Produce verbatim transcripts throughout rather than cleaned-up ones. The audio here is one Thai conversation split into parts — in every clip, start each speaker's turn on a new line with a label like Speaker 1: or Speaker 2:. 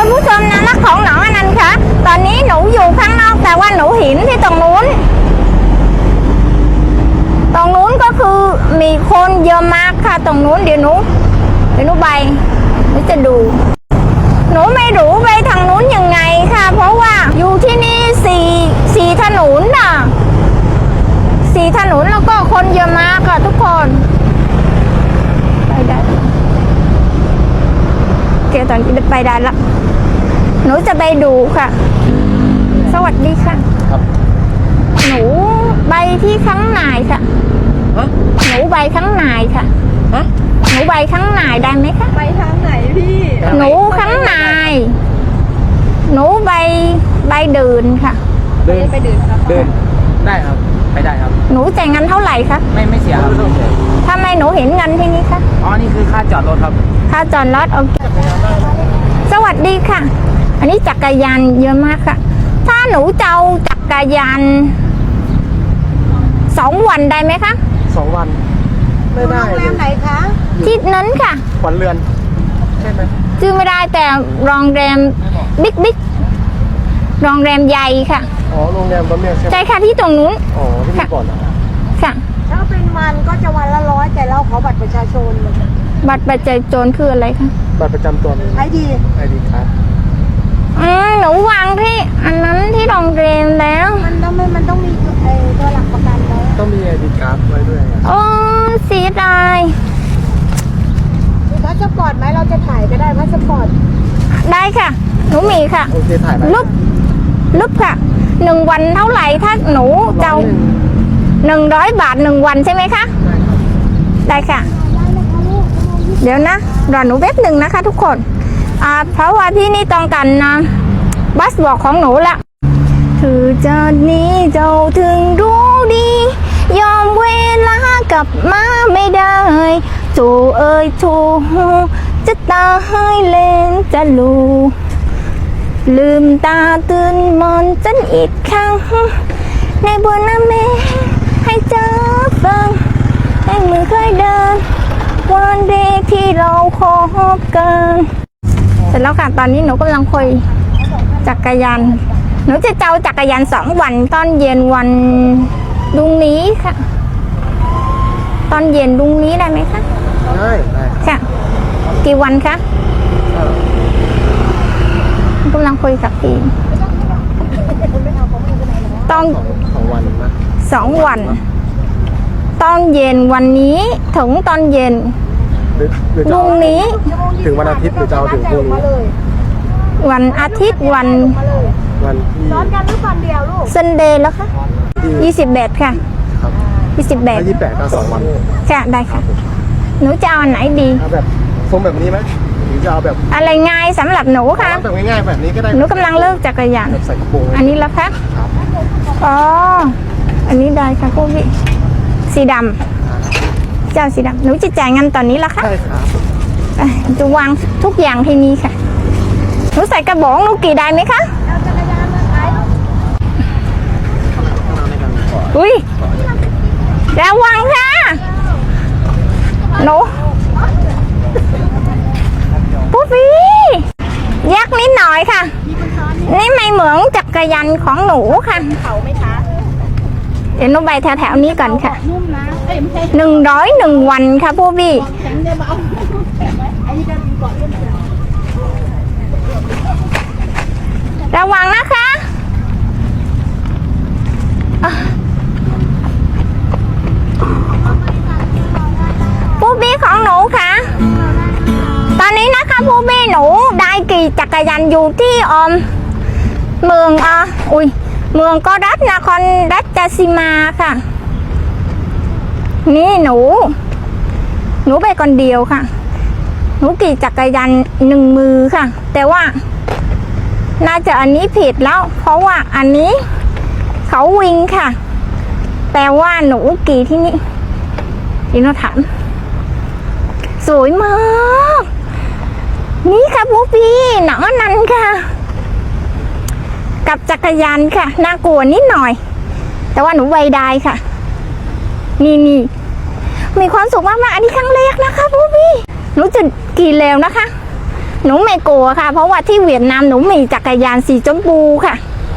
Speaker 1: คุณผู้ชมนะรักของหนองอนันต์คะตอนนี้หนูอยู่ข้างนอกแต่ว่าหนูเห็นที่ตรงนู้นตรงนู้นก็คือมีคนเยอะมากค่ะตรงนู้นเดี๋ยวหนูเดี๋ยวหนูไปหนูจะดูหนูไม่รู้ไปทางนู้นยังไงค่ะเพราะว่าอยู่ที่นี่สี่สี่ถนนน่ะสี่ถนนแล้วก็คนเยอะมากค่ะทุกคนไปได้เดี๋ยวตอนนี้ไปได้ละหนูจะไปดูค่ะสวัสดีค่ะครับหนูไปที่ข้างในค่ะหนูไปข้างในค่ะหนูไปข้างในได้ไหมคะ
Speaker 2: ไปทางไหนพี่
Speaker 1: หนูข้างในหนูไปไปเดินค่ะ
Speaker 2: เดินไปเดินครับ
Speaker 3: เดินได้ครับไปได้ครับ
Speaker 1: หนูจ่ายเงินเท่าไหร่คะ
Speaker 3: ไม่ไม่เสียครับ
Speaker 1: ทำไมหนูเห็นเงินที่นี่คะ
Speaker 3: อ๋อนี่คือค่าจอดรถครับ
Speaker 1: ค่าจอดรถโอเคสวัสดีค่ะอันนี้จักรยานเยอะมากค่ะถ้าหนูจะเอาจักรยานสองวันได้ไหมคะ
Speaker 3: สองวันไม่ได้
Speaker 2: โรงแรมไหนคะ
Speaker 1: ที่นั้นค่ะ
Speaker 3: ขวัญเรือนใช่ไหม
Speaker 1: ชื่อไม่ได้แต่โรงแรมบิ๊กบิ๊กโรงแรมใหญ่ค่ะ
Speaker 3: อ๋อโรงแรมบะเมียใช่ไหม
Speaker 1: ใช่ค่ะที่ตรงนู้น
Speaker 3: อ๋อที่ก่อนนะ
Speaker 1: ค่ะ
Speaker 2: ถ้าเป็นวันก็จะวันละร้อยแต่เราขอบัตรประชาชน
Speaker 1: บัตรประชาชนคืออะไรคะ
Speaker 3: บัตรประจำตัว
Speaker 2: ไอดี
Speaker 3: ไอดีครับ
Speaker 1: อืมหนูวางที่อันนั้นที่โรงแรมแล้ว
Speaker 2: มันต้องไม่มันต้องมีไอตัวหลักประกันแล้ว
Speaker 3: ต้องมีไอดีการ์ดไว้ด้วย
Speaker 1: โอ้เสียดาย
Speaker 2: มีพาสปอร์ตไหมเราจะถ่ายก็ได้พาสปอร์ต
Speaker 1: ได้ค่ะหนูมีค่ะ
Speaker 3: โอเคถ่าย
Speaker 1: รูปรูปค่ะหนึ่งวันเท่าไหร่ถ้าหนูเจ้าหนึ่งร้อยบาทหนึ่งวันใช่ไหมคะได้ค่ะเดี๋ยวนะรอหนูแป๊บหนึ่งนะคะทุกคนอ่าเพราะว่าที่นี่ต้องการนะบัสบอกของหนูละถือจากนี้เจ้าถึงรู้ดียอมเวลากลับมาไม่ได้โจเอ้ยโจจะตาให้เล่นจะลูลืมตาตื่นมอนฉันอีกครั้งในบนน้ำเมฆให้เจอฟังให้มือเคยเดินวันเด็กที่เราคบกันเสร็จแล้วค่ะตอนนี้หนูกำลังคุยจักรยานหนูจะเจ้าจักรยานสองวันตอนเย็นวันดุงนี้ค่ะตอนเย็นดุงนี้ได้ไหมคะ
Speaker 3: ได้ได้
Speaker 1: ค่ะกี่วันคะกำลังคุยกับพี่ต้อง
Speaker 3: สองวันนะ
Speaker 1: สองวันตอนเย็นวันนี้ถึงตอนเย็นพรุ่งนี้
Speaker 3: ถึงวันอาทิตย์หรือจะเอาถึงพรุ่งนี้
Speaker 1: วันอาทิตย์วัน
Speaker 3: วันที่
Speaker 2: ซ้อนกันหรือวันเดียวลูก
Speaker 1: ซันเดย์แล้วค่ะยี่สิบแปดค่ะยี่สิบแปด
Speaker 3: ยี่สิบแปดก็สองวัน
Speaker 1: ค่ะได้ค่ะหนูจะเอาไหนดี
Speaker 3: เอาแบบทรงแบบนี้ไหมหรือจะเอาแบบ
Speaker 1: อะไรง่ายสำหรับหนูค่ะ
Speaker 3: แบบง่ายๆแบบนี้ก็ได้
Speaker 1: หนูกำลังเลิกจักรยาน
Speaker 3: ใส่กระโปรง
Speaker 1: อันนี้แล้วค่ะอ๋ออันนี้ได้ค่ะคุณพี่สีดำเจ้าสีดำหนูจะจ่ายเงินตอนนี้ละค่ะ
Speaker 3: ใช่ครับ
Speaker 1: จะวางทุกอย่างที่นี่ค่ะหนูใส่กระบอกหนูกี่ได้ไหมคะอุ้ยระวังค่ะหนูปุ๊บพี่ยักนิดหน่อยค่ะนี่ไม่เหมือนจักรยานของหนูค่ะ
Speaker 2: เขาไหมคะ
Speaker 1: เดี๋ยวหนูไปแถวๆนี้ก่อนค่ะหนึ่งร้อยหนึ่งวันค่ะพวกพี่ระวังนะคะพวกพี่ของหนูค่ะตอนนี้นะคะพวกพี่หนูได้ขี่จักรยานอยู่ที่อมเมืองอ่ะอุ้ยเมืองก็รัฐนครรัชสีมาค่ะนี่หนูหนูไปคนเดียวค่ะหนูขี่จักรยานหนึ่งมือค่ะแต่ว่าน่าจะอันนี้ผิดแล้วเพราะว่าอันนี้เขาวิ่งค่ะแต่ว่าหนูขี่ที่นี่ที่เราถามสวยมากนี่ค่ะพวกพี่หนองอนันต์ค่ะกับจักรยานค่ะน่ากลัวนิดหน่อยแต่ว่าหนูไวได้ค่ะนี่นี่มีความสุขมากๆอันนี้ครั้งแรกนะคะพวกพี่หนูจะกี่เร็วนะคะหนูไม่กลัวค่ะ เพราะว่าที่เวียดนามหนูมีจักรยานสีชมพูค่ะ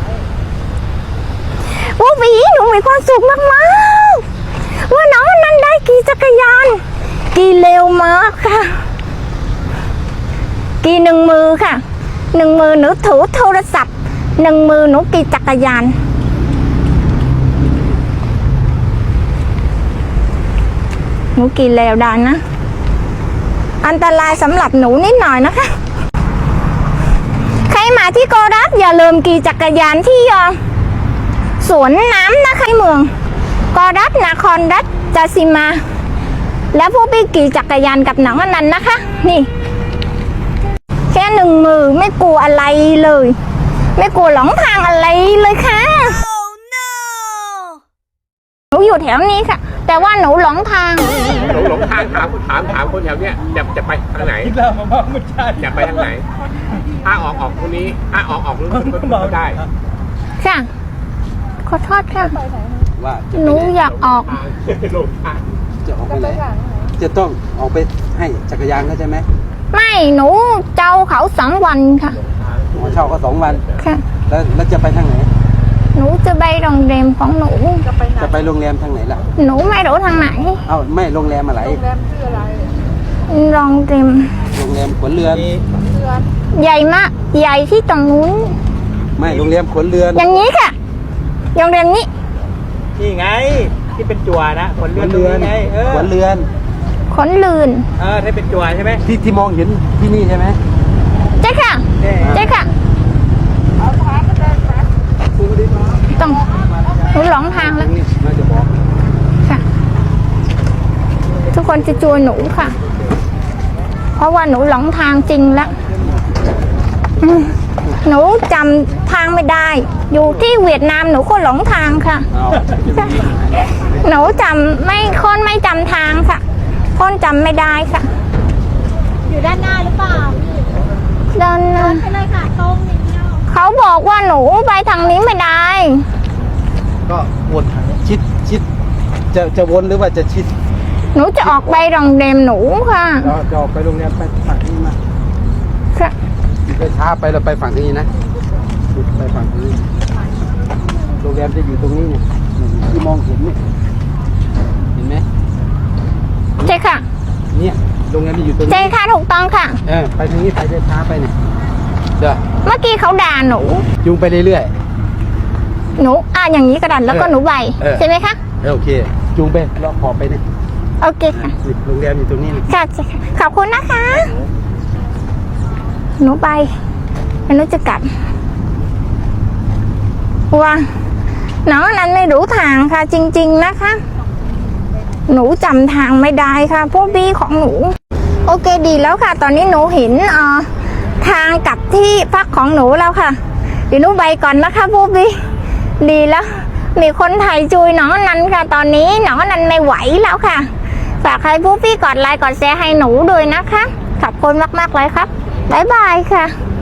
Speaker 1: โอ้วีหนูมีความสุขมากๆว่าน้องอนันต์ได้ขี่จักรยานขี่เร็วมากค่ะขี่หนึ่งมือค่ะหนึ่งมือหนูถือโทรศัพท์หนึ่งมือหนูขี่จักรยานหนูขี่เร็วได้นะอันตรายสำหรับหนูนิดหน่อยนะคะใครมาที่โกรัสอย่าลืมขี่จักรยานที่สวนน้ำนะคะเมืองโกรัสนครรัฐจาซิมา แล้วพวกพี่ขี่จักรยานกับน้องอนันต์นะคะนี่แค่หนึ่งมือไม่กลัวอะไรเลย ไม่กลัวหลงทางอะไรเลยค่ะ หนูอยู่แถวนี้ค่ะ แต่ว่าหนูหลงทาง
Speaker 4: หลงหลงทางถามถามถามคนแถวเนี้ยจะจะไปทางไหนจะไปทางไหนถ้าออกออกตรงนี้ถ้าออกออกรู้สึกก็ได้
Speaker 1: ค่ะขอโทษค่ะ
Speaker 5: ว่าจะ
Speaker 1: หนูอยากออก
Speaker 4: หลงทาง
Speaker 5: จะออกไปไหนจะต้องออกไปให้จักรยานเขาใช่ไหม
Speaker 1: ไม่หนูเจ้าเขาสองวันค่ะ
Speaker 5: หมอเช่าก็สองวัน
Speaker 1: ค่ะ
Speaker 5: แล้วแล้วจะไปทางไหน
Speaker 1: หนูจะไปโรงแรมของหนู
Speaker 5: จะไปโรงแรมทางไหนล่ะ
Speaker 1: หนูไม่รู้ทางไหน
Speaker 5: เอ้าไม่โรงแรมอะไร
Speaker 1: โรงแรม
Speaker 5: โรงแรมขนเรือน
Speaker 1: ใหญ่มากใหญ่ที่ตรงนู้น
Speaker 5: ไม่โรงแรมขนเรือน
Speaker 1: อย่างนี้ค่ะโรงแรมนี้
Speaker 6: นี่ไงที่เป็นจั่วนะขน
Speaker 5: ข
Speaker 6: เรือน
Speaker 5: น
Speaker 6: ตรง
Speaker 5: เรือน
Speaker 6: นี้ไงเออ
Speaker 5: ขนเรือน
Speaker 1: ขนลืน
Speaker 6: เออถ้าเป็นจั่วใช่ไหม
Speaker 5: ที่ที่มองเห็นที่นี่ใช่ไหม
Speaker 1: ใช่ค่ะ
Speaker 6: เนี่ย
Speaker 1: ใช่ค่ะต้องหนูหลงทางแล้ว
Speaker 5: นี่น่าจะบอก
Speaker 1: ค่ะ ทุกคนจะช่วยหนูค่ะ เพราะว่าหนูหลงทางจริงแล้วอืมหนูจำทางไม่ได้ อยู่ที่เวียดนามหนูก็หลงทางค่ะ
Speaker 5: เอา
Speaker 1: หนูจำไม่คนไม่จำทางค่ะ คนจำไม่ได้ค่ะ
Speaker 2: อยู่ด้านหน้าหรือเปล่า
Speaker 1: เดิน
Speaker 2: ไปเลยค่ะตรงอย่างเดียว
Speaker 1: เขาบอกว่าหนูไปทางนี้ไม่ได้
Speaker 3: ก็วนทาง
Speaker 5: ชิดชิดจะจะวนหรือว่าจะชิด
Speaker 1: หนูจะออกไปโรงแรมหนูค่ะ
Speaker 5: เราจะออกไปโรงแรมไปฝั่งนี้มา
Speaker 1: ค่ะ
Speaker 5: ไปช้าไปเราไปฝั่งนี้นะไปฝั่งนี้โรงแรมจะอยู่ตรงนี้เนี่ยที่มองเห็นเนี่ยเห็นไหม
Speaker 1: ใช่ค่ะ
Speaker 5: เนี่ยโรงแรมจะอยู่ตรง
Speaker 1: ใช่
Speaker 5: นี้
Speaker 1: ค่ะถูกต้องค่ะ
Speaker 5: เออไปทางนี้ไปช้าช้าไปเนี่ยเดี๋ยว
Speaker 1: เมื่อกี้เขาด่าหนู
Speaker 5: จูงไปเรื่อย
Speaker 1: หนูอ่ะอย่างนี้กระดันแล้วก็หนูใบ
Speaker 5: เออ
Speaker 1: ใช่ไหมคะ
Speaker 5: ๆเออโอเค จูงไปเลาะขอบไปเนี่ย
Speaker 1: โอเคค่ะ
Speaker 5: นี่โรงแรมอยู่ตรงนี้นะ
Speaker 1: ค่ะใช่ค่ะขอบคุณนะคะ หนูไปแล้วหนูจะกลับว่าน้องอนั้นไม่รู้ทางค่ะ จริง ๆนะคะ หนูจำทางไม่ได้ค่ะพวกบี้ของหนู โอเคดีแล้วค่ะ ตอนนี้หนูเห็นเอ่อทางกลับที่พักของหนูแล้วค่ะเดี๋ยวหนูไปก่อนนะคะพวกบี้ดีแล้ว มีคนไทยจุยน้องอนันต์ค่ะ ตอนนี้น้องอนันต์ไม่ไหวแล้วค่ะฝากใครพวกพี่กดไลค์กดแชร์ให้หนูด้วยนะคะขอบคุณมากๆเลยครับบ๊ายบายค่ะ